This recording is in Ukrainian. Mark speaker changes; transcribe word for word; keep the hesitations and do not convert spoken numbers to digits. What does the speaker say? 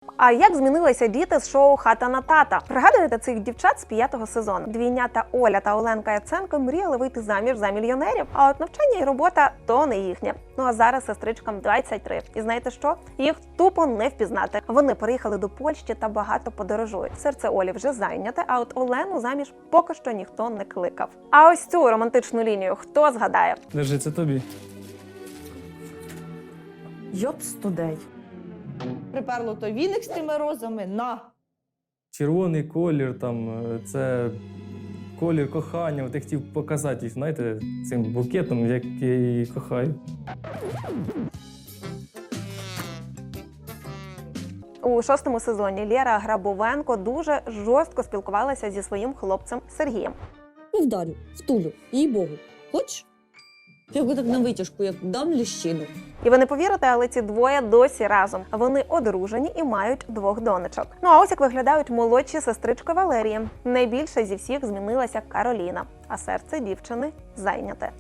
Speaker 1: А як змінилися діти з шоу «Хата на тата»? Пригадуєте цих дівчат з п'ятого сезону? Двійнята Оля та Оленка Яценко мріяли вийти заміж за мільйонерів, а от навчання і робота – то не їхнє. Ну а зараз сестричкам двадцять три. І знаєте що? Їх тупо не впізнати. Вони переїхали до Польщі та багато подорожують. Серце Олі вже зайняте, а от Олену заміж поки що ніхто не кликав. А ось цю романтичну лінію хто згадає?
Speaker 2: Держи, це тобі.
Speaker 3: Йопс тудей.
Speaker 4: Приперло той віник з тими розами, на!
Speaker 2: Червоний колір, там, е, це колір кохання. От я хотів показати їх, знаєте, цим букетом, як я її кохаю.
Speaker 1: У шостому сезоні Лєра Грабовенко дуже жорстко спілкувалася зі своїм хлопцем Сергієм.
Speaker 5: Ну, вдарю, втулю, їй-богу. Хочеш? Я його так на витяжку, як дам ліщину.
Speaker 1: І ви не повірите, але ці двоє досі разом. Вони одружені і мають двох донечок. Ну а ось як виглядають молодші сестрички Валерії. Найбільше зі всіх змінилася Кароліна, а серце дівчини зайняте.